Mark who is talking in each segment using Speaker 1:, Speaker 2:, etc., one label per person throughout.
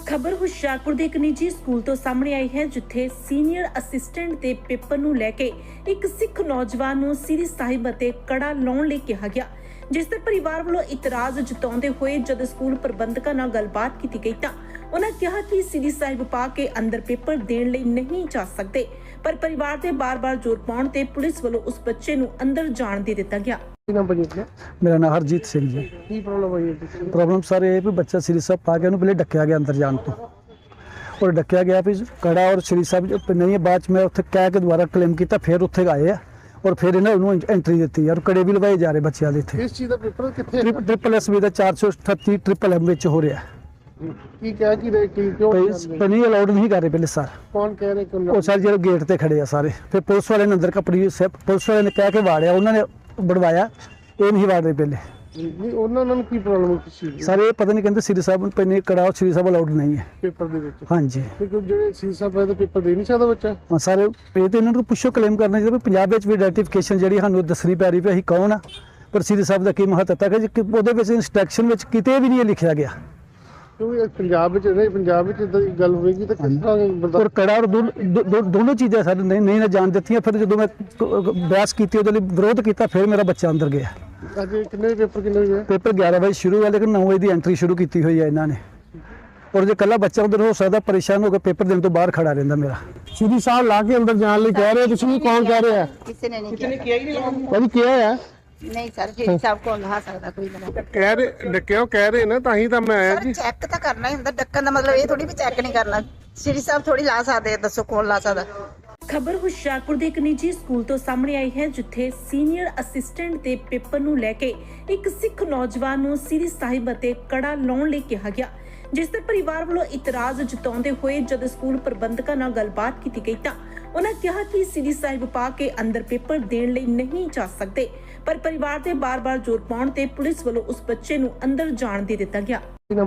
Speaker 1: ਖਬਰ ਹੁਸ਼ਿਆਰਪੁਰ ਦੇ ਇੱਕ ਨਿੱਜੀ ਸਕੂਲ ਤੋਂ ਸਾਹਮਣੇ ਆਈ ਹੈ, ਜਿੱਥੇ ਸੀਨੀਅਰ ਅਸਿਸਟੈਂਟ ਦੇ ਪੇਪਰ ਨੂੰ ਲੈ ਕੇ ਇੱਕ ਸਿੱਖ ਨੌਜਵਾਨ ਨੂੰ ਸ੍ਰੀ ਸਾਹਿਬ ਅਤੇ ਕੜਾ ਲਾਉਣ ਲਈ ਕਿਹਾ ਗਿਆ, ਜਿਸ ਤੇ ਪਰਿਵਾਰ ਵੱਲੋਂ ਇਤਰਾਜ਼ ਜਤਾਉਂਦੇ ਹੋਏ ਜਦ ਸਕੂਲ ਪ੍ਰਬੰਧਕਾਂ ਨਾਲ ਗੱਲਬਾਤ ਕੀਤੀ ਗਈ ਤਾਂ ਉਹਨਾਂ ਕਿਹਾ ਕਿ ਸ੍ਰੀ ਸਾਹਿਬ ਪਾ ਕੇ ਅੰਦਰ ਪੇਪਰ ਦੇਣ ਲਈ ਨਹੀਂ ਜਾ ਸਕਦੇ, ਪਰ ਪਰਿਵਾਰ ਦੇ ਬਾਰ-ਬਾਰ ਜ਼ੋਰ ਪਾਉਣ ਤੇ ਪੁਲਿਸ ਵੱਲੋਂ ਉਸ ਬੱਚੇ ਨੂੰ ਅੰਦਰ ਜਾਣ ਦੇ ਦਿੱਤਾ ਗਿਆ।
Speaker 2: मेरा नाम हरजीत सिंह जी।
Speaker 3: की प्रॉब्लम है?
Speaker 2: प्रॉब्लम सर ये भी बच्चा श्री साहब पा के पहले डकया गया अंदर जान तो, और डकया गया भी कड़ा और श्री साहब नहीं है, बाद में उत्थे कह के दोबारा क्लेम किया, फिर उत्थे गए है और फिर इन्होंने एंट्री दी और कड़े भी लवाए जा रहे बच्चों के इतने।
Speaker 3: किस चीज़ का पेपर कितने?
Speaker 2: ट्रिपल एस बी का 438 ट्रिपल एम हो रहा है
Speaker 3: की क्या की रहे की क्यों
Speaker 2: नहीं अलाउड नहीं कर रहे पहले सर।
Speaker 3: कौन कह रहे
Speaker 2: वो सर जो गेट पे खड़े हैं सारे, फिर पुलिस वाले ने अंदर कपड़ी पुलिस वाले ने कह के वाड़िया, उन्होंने बढ़वाया, ये नहीं वाड़ रहे पहले।
Speaker 3: नहीं उन्होंने की प्रॉब्लम किस चीज़
Speaker 2: सर ये पता नहीं कहते श्री साहब पे कड़ा और श्री साहब अलाउड नहीं है
Speaker 3: पेपर दे विच।
Speaker 2: हाँ जी
Speaker 3: क्योंकि जो सी साहब है तो पेपर दे नहीं सकता बच्चा।
Speaker 2: हाँ सर ये तो इन्होंने पुछो क्लेम करना चाहिए, पंजाब में भी आइडेंटिफिकेशन जी सानू दसनी पै रही भी असीं कौन आ, पर श्री साहब का की महत्ता है कि वो इंस्ट्रक्शन में किते भी नहीं लिखा गया।
Speaker 3: क्योंकि पंजाब में नहीं, पंजाब में इदां दी गल होगी तो किस तरह बंदा
Speaker 2: और कड़ा और दोनों चीज़ें सर नहीं ना जान दी। फिर जो मैं बहस की विरोध किया, फिर मेरा बच्चा अंदर गया।
Speaker 3: अज कितने पेपर कितने हुए?
Speaker 2: पेपर 11 बजे शुरू है, लेकिन 9 बजे की एंट्री शुरू की हुई है इन्होंने, और जो कला बच्चा उधर हो सकता परेशान होकर पेपर देने तो बाहर खड़ा रहता मेरा।
Speaker 3: श्री साहब ला के अंदर जाने लिए कह रहे हो, तुसीं कौन कह रहे हैं?
Speaker 4: किसी ने नहीं किया।
Speaker 3: कभी किया है?
Speaker 4: नहीं सर, श्री साहब को ला सकता कोई बंदा।
Speaker 3: कह रहे डक्यो कह रहे ना, ताही तो मैं आया जी।
Speaker 4: चेक तो करना ही ਹੁੰਦਾ, ਡੱਕਣ ਦਾ ਮਤਲਬ ਇਹ ਥੋੜੀ ਵੀ ਚੈੱਕ ਨਹੀਂ ਕਰਨਾ। श्री साहब थोड़ी ला सकते, ਦੱਸੋ ਕੌਣ ਲਾ ਸਕਦਾ?
Speaker 1: ਖਬਰ ਹੁਸ਼ਿਆਰਪੁਰ ਦੇ ਇੱਕ ਨਿੱਜੀ ਸਕੂਲ ਤੋਂ ਸਾਹਮਣੇ ਆਈ ਹੈ, ਜਿੱਥੇ ਸੀਨੀਅਰ ਅਸਿਸਟੈਂਟ ਦੇ ਪੇਪਰ ਨੂੰ ਲੈ ਕੇ ਇੱਕ ਸਿੱਖ ਨੌਜਵਾਨ ਨੂੰ ਸ੍ਰੀ ਸਾਹਿਬ ਅਤੇ ਕੜਾ ਲਾਉਣ ਲਈ ਕਿਹਾ ਗਿਆ, ਜਿਸ ਤੇ ਪਰਿਵਾਰ ਵੱਲੋਂ ਇਤਰਾਜ਼ ਜਤਾਉਂਦੇ ਹੋਏ ਜਦ ਸਕੂਲ ਪ੍ਰਬੰਧਕਾਂ ਨਾਲ ਗੱਲਬਾਤ ਕੀਤੀ ਗਈ ਤਾਂ ਉਹਨਾਂ ਕਿਹਾ ਕਿ ਸ੍ਰੀ ਸਾਹਿਬ ਪਾ ਕੇ ਅੰਦਰ ਪੇਪਰ ਦੇਣ ਲਈ ਨਹੀਂ ਜਾ ਸਕਦੇ, ਪਰ ਪਰਿਵਾਰ ਦੇ ਬਾਰ-ਬਾਰ ਜ਼ੋਰ ਪਾਉਣ ਤੇ ਪੁਲਿਸ ਵੱਲੋਂ ਉਸ ਬੱਚੇ ਨੂੰ ਅੰਦਰ ਜਾਣ ਦੇ ਦਿੱਤਾ ਗਿਆ।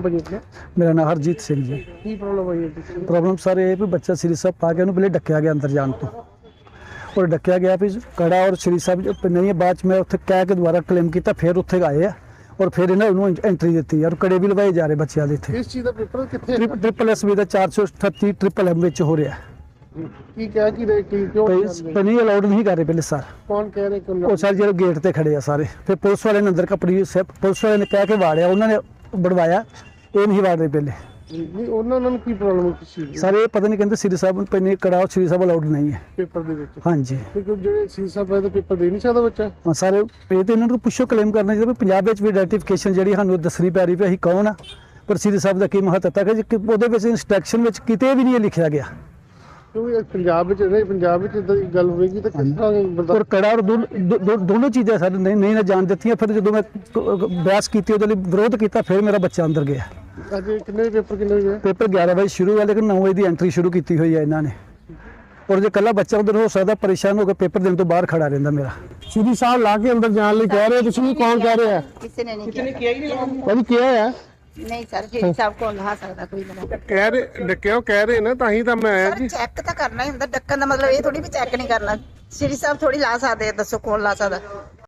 Speaker 2: मेरा नाम हरजीत सिंह जी।
Speaker 3: की प्रॉब्लम है?
Speaker 2: प्रॉब्लम सर ये भी बच्चा श्री साहब पा के पहले डकया गया अंदर जान तो, और डकया गया भी कड़ा और श्री साहब नहीं है, बाद में उत्थे कह के दोबारा क्लेम किया, फिर उत्थे गए है और फिर इन्होंने एंट्री दी और कड़े भी लवाए जा रहे बच्चों के इतने।
Speaker 3: किस चीज़ का पेपर कितने?
Speaker 2: ट्रिपल एस बी का 438 ट्रिपल एम हो रहा है
Speaker 3: की क्या की रहे की क्यों
Speaker 2: नहीं अलाउड नहीं कर रहे पहले सर।
Speaker 3: कौन कह रहे
Speaker 2: वो सर जो गेट पे खड़े हैं सारे, फिर पुलिस वाले ने अंदर कपड़ी पुलिस वाले ने कह के वाड़िया, उन्होंने बढ़वाया, ये नहीं वाड़ रहे पहले।
Speaker 3: नहीं उन्होंने की प्रॉब्लम किस चीज़
Speaker 2: सर ये पता नहीं कहते श्री साहब पे कड़ा और श्री साहब अलाउड नहीं है
Speaker 3: पेपर दे विच।
Speaker 2: हाँ जी
Speaker 3: क्योंकि जो सी साहब है तो पेपर दे नहीं सकता बच्चा।
Speaker 2: हाँ सर ये तो इन्होंने पुछो क्लेम करना चाहिए, पंजाब में भी आइडेंटिफिकेशन जी सानू दसनी पै रही भी असीं कौन आ, पर श्री साहब का की महत्ता है कि वो इंस्ट्रक्शन में किते भी नहीं लिखा गया।
Speaker 3: क्योंकि पंजाब में नहीं, पंजाब में इदां दी गल होगी तो किस तरह बंदा
Speaker 2: और कड़ा और दोनों चीज़ें सर नहीं ना जान दी। फिर जो मैं बहस की विरोध किया, फिर मेरा बच्चा अंदर गया।
Speaker 3: अज कितने पेपर कितने हुए?
Speaker 2: पेपर 11 बजे शुरू है, लेकिन 9 बजे की एंट्री शुरू की हुई है इन्होंने, और जो कला बच्चा उधर हो सकता परेशान होकर पेपर देने तो बाहर खड़ा रहता मेरा।
Speaker 3: श्री साहब ला के अंदर जाने लिए कह रहे हो, तुसीं कौन कह रहे हैं?
Speaker 4: किसी ने नहीं किया।
Speaker 3: कभी किया है?
Speaker 4: नहीं सर, श्री साहब को ला सकता कोई बंदा।
Speaker 3: कह रहे डक्यो कह रहे ना, ताही तो मैं आया जी।
Speaker 4: ਚੈੱਕ ਤਾਂ ਕਰਨਾ ਹੀ ਹੁੰਦਾ, ਡੱਕਣ ਦਾ ਮਤਲਬ ਇਹ ਥੋੜੀ ਵੀ ਚੈੱਕ ਨਹੀਂ ਕਰਨਾ। श्री साहब थोड़ी ला सकते, ਦੱਸੋ ਕੌਣ ਲਾ ਸਕਦਾ?